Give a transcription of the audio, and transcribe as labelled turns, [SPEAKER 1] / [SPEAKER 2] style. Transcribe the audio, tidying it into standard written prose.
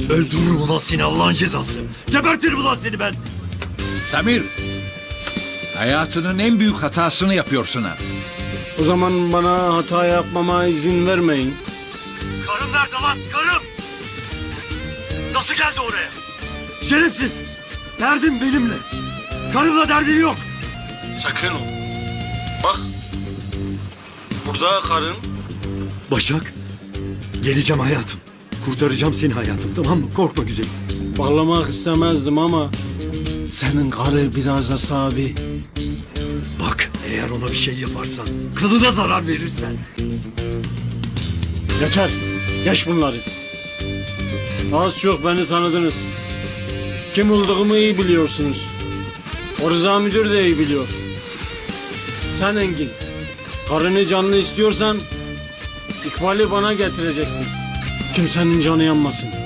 [SPEAKER 1] Öldürürüm ulan seni Allah'ın cezası. Gebertirim ulan seni ben.
[SPEAKER 2] Samir, hayatının en büyük hatasını yapıyorsun ha.
[SPEAKER 3] O zaman bana hata yapmama izin vermeyin.
[SPEAKER 1] Karım nerede lan? Karım! Nasıl geldi oraya? Şerefsiz! Derdim benimle. Karımla derdin yok.
[SPEAKER 3] Sakın ol. Bak. Burada karın.
[SPEAKER 1] Başak, geleceğim hayatım. Kurtaracağım seni hayatım, tamam mı? Korkma güzelim.
[SPEAKER 3] Bağlamak istemezdim ama senin karı biraz asabi.
[SPEAKER 1] Bak, eğer ona bir şey yaparsan, kılına zarar verirsen.
[SPEAKER 3] Yeter. Geç bunları. Az çok beni tanıdınız. Kim olduğumu iyi biliyorsunuz. O Rıza müdür de iyi biliyor. Sen Engin, karını canlı istiyorsan İkbal'i bana getireceksin. Kimsenin canı yanmasın.